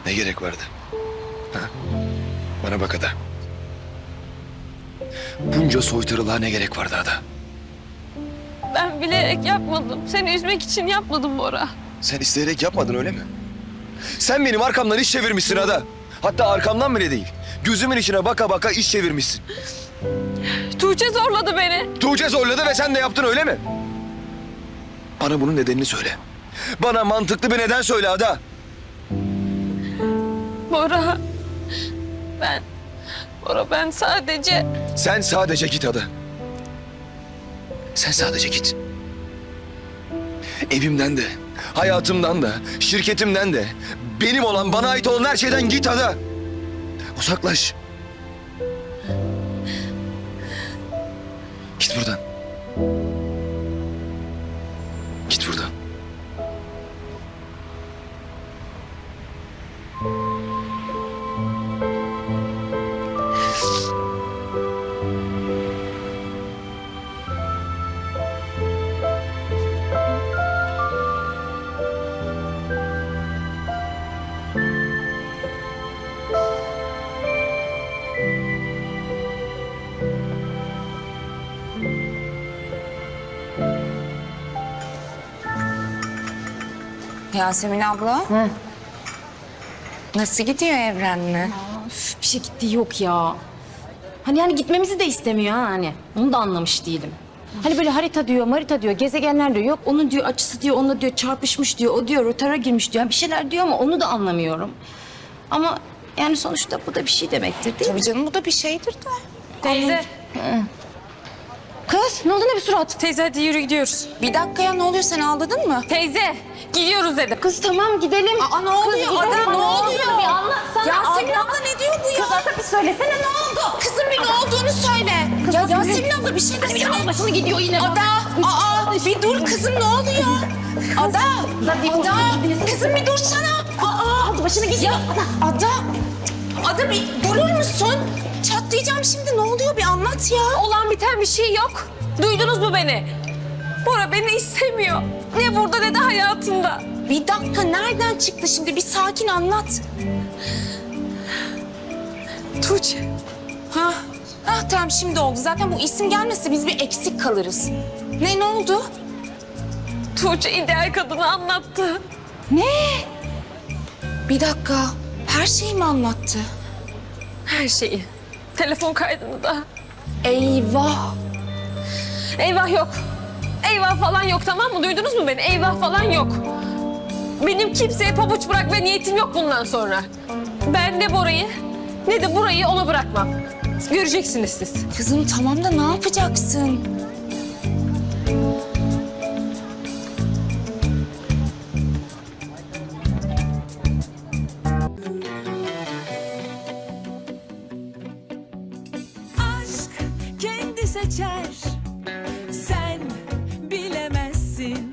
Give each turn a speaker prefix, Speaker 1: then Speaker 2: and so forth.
Speaker 1: Ne gerek vardı? Ha? Bana bak Ada. Bunca soytarılığa ne gerek vardı Ada?
Speaker 2: Ben bilerek yapmadım. Seni üzmek için yapmadım Bora.
Speaker 1: Sen isteyerek yapmadın öyle mi? Sen benim arkamdan iş çevirmişsin Ada. Hatta arkamdan bile değil. Gözümün içine baka baka iş çevirmişsin.
Speaker 2: Tuğçe zorladı beni.
Speaker 1: Tuğçe zorladı ve sen de yaptın öyle mi? Bana bunun nedenini söyle. Bana mantıklı bir neden söyle Ada.
Speaker 2: Bora. Ben sadece...
Speaker 1: Sen sadece git Ada. Sen sadece git. Evimden de, hayatımdan da, şirketimden de, benim olan, bana ait olan her şeyden git Ada. Uzaklaş. Git buradan. Git buradan.
Speaker 3: Yasemin abla. Nasıl gidiyor Evren'le?
Speaker 4: Üf, bir şey gitti yok ya. Hani yani gitmemizi de istemiyor ha hani. Onu da anlamış değilim. Hani böyle harita diyor, marita diyor, gezegenler diyor. Yok onun diyor açısı diyor, onunla diyor çarpışmış diyor. O diyor rotara girmiş diyor. Yani bir şeyler diyor ama onu da anlamıyorum. Ama yani sonuçta bu da bir şey demektir değil mi?
Speaker 3: Tabii canım bu da bir şeydir de.
Speaker 2: Teyze.
Speaker 4: Kız ne oldu ne bir surat?
Speaker 2: Teyze hadi yürü gidiyoruz.
Speaker 3: Bir dakika ya ne oluyor sen ağladın mı?
Speaker 2: Teyze gidiyoruz dedim.
Speaker 4: Kız tamam gidelim.
Speaker 3: Aa ne oluyor
Speaker 4: gidelim.
Speaker 3: Ada ne
Speaker 4: Aa,
Speaker 3: oluyor?
Speaker 4: Bir anlatsana.
Speaker 3: Yasemin
Speaker 4: Ada.
Speaker 3: abla ne diyor bu ya?
Speaker 4: Kız Ada bir söylesene ne oldu?
Speaker 3: Kızım bir ne olduğunu söyle. Ya Yasemin abla bir şey desene.
Speaker 4: Bir başını gidiyor yine.
Speaker 3: Ada, bir dur kızım ne oluyor? Ada, kızım bir dursana.
Speaker 4: Başını gidiyor.
Speaker 3: Ada bir durur musun? Çatlayacağım şimdi ne oluyor bir anlat ya.
Speaker 2: Olan biten bir şey yok. Duydunuz mu beni? Bora beni istemiyor. Ne burada ne de hayatında.
Speaker 3: Bir dakika nereden çıktı şimdi bir sakin anlat.
Speaker 2: Tuğçe.
Speaker 3: Tamam şimdi oldu. Zaten bu isim gelmese biz bir eksik kalırız. Ne oldu?
Speaker 2: Tuğçe ideal kadını anlattı.
Speaker 3: Bir dakika. Her şeyi mi anlattı?
Speaker 2: Her şeyi. Telefon kaydını da.
Speaker 3: Eyvah.
Speaker 2: Eyvah yok. Eyvah falan yok tamam mı? Duydunuz mu beni? Eyvah falan yok. Benim kimseye pabuç bırakma niyetim yok bundan sonra. Ben ne Bora'yı ne de burayı ona bırakmam. Göreceksiniz siz.
Speaker 3: Kızım tamam da ne yapacaksın?
Speaker 5: Aşk kendi seçer. Sen bilemezsin.